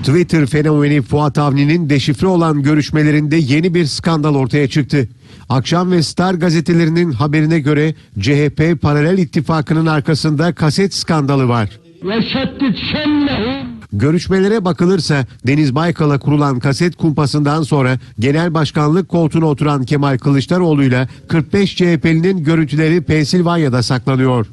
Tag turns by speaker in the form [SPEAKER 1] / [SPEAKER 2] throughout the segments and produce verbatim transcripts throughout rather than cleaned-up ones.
[SPEAKER 1] Twitter fenomeni Fuat Avni'nin deşifre olan görüşmelerinde yeni bir skandal ortaya çıktı. Akşam ve Star gazetelerinin haberine göre C H P paralel ittifakının arkasında kaset skandalı var. Görüşmelere bakılırsa Deniz Baykal'a kurulan kaset kumpasından sonra genel başkanlık koltuğuna oturan Kemal Kılıçdaroğlu'yla kırk beş C H P'linin görüntüleri Pensilvanya'da saklanıyor.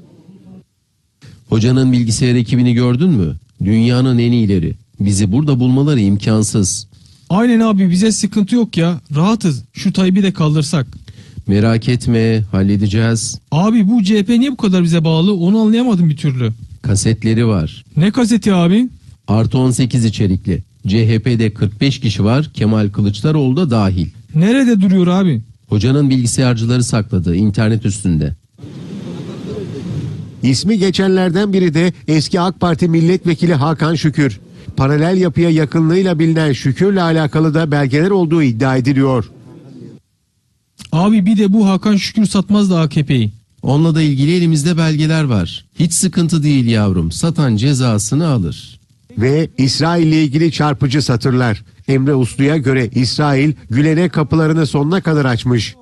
[SPEAKER 2] Hocanın bilgisayar ekibini gördün mü? Dünyanın en iyileri. Bizi burada bulmaları imkansız.
[SPEAKER 3] Aynen abi, bize sıkıntı yok ya. Rahatız. Şu Tayyip'i de kaldırsak.
[SPEAKER 2] Merak etme, halledeceğiz.
[SPEAKER 3] Abi bu C H P niye bu kadar bize bağlı? Onu anlayamadım bir türlü.
[SPEAKER 2] Kasetleri var.
[SPEAKER 3] Ne kaseti abi?
[SPEAKER 2] Artı on sekiz içerikli. C H P'de kırk beş kişi var, Kemal Kılıçdaroğlu da dahil.
[SPEAKER 3] Nerede duruyor abi?
[SPEAKER 2] Hocanın bilgisayarcıları sakladı, internet üstünde.
[SPEAKER 1] İsmi geçenlerden biri de eski AK Parti milletvekili Hakan Şükür. Paralel yapıya yakınlığıyla bilinen Şükür'le alakalı da belgeler olduğu iddia ediliyor.
[SPEAKER 3] Abi bir de bu Hakan Şükür satmaz da A K P'yi.
[SPEAKER 2] Onunla da ilgili elimizde belgeler var. Hiç sıkıntı değil yavrum, satan cezasını alır.
[SPEAKER 1] Ve İsrail ile ilgili çarpıcı satırlar. Emre Uslu'ya göre İsrail Gülen'e kapılarını sonuna kadar açmış.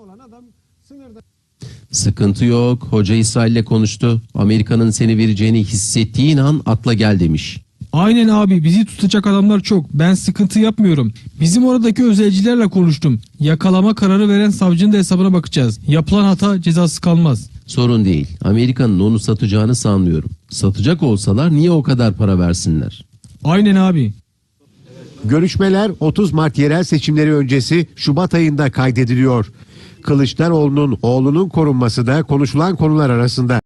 [SPEAKER 2] Sıkıntı yok, hoca İsrail'le konuştu. Amerika'nın seni vereceğini hissettiğin an atla gel demiş.
[SPEAKER 3] Aynen abi, bizi tutacak adamlar çok. Ben sıkıntı yapmıyorum. Bizim oradaki özelcilerle konuştum. Yakalama kararı veren savcının da hesabına bakacağız. Yapılan hata cezasız kalmaz.
[SPEAKER 2] Sorun değil. Amerika'nın onu satacağını sanmıyorum. Satacak olsalar niye o kadar para versinler?
[SPEAKER 3] Aynen abi.
[SPEAKER 1] Görüşmeler otuz Mart yerel seçimleri öncesi Şubat ayında kaydediliyor. Kılıçdaroğlu'nun oğlunun korunması da konuşulan konular arasında.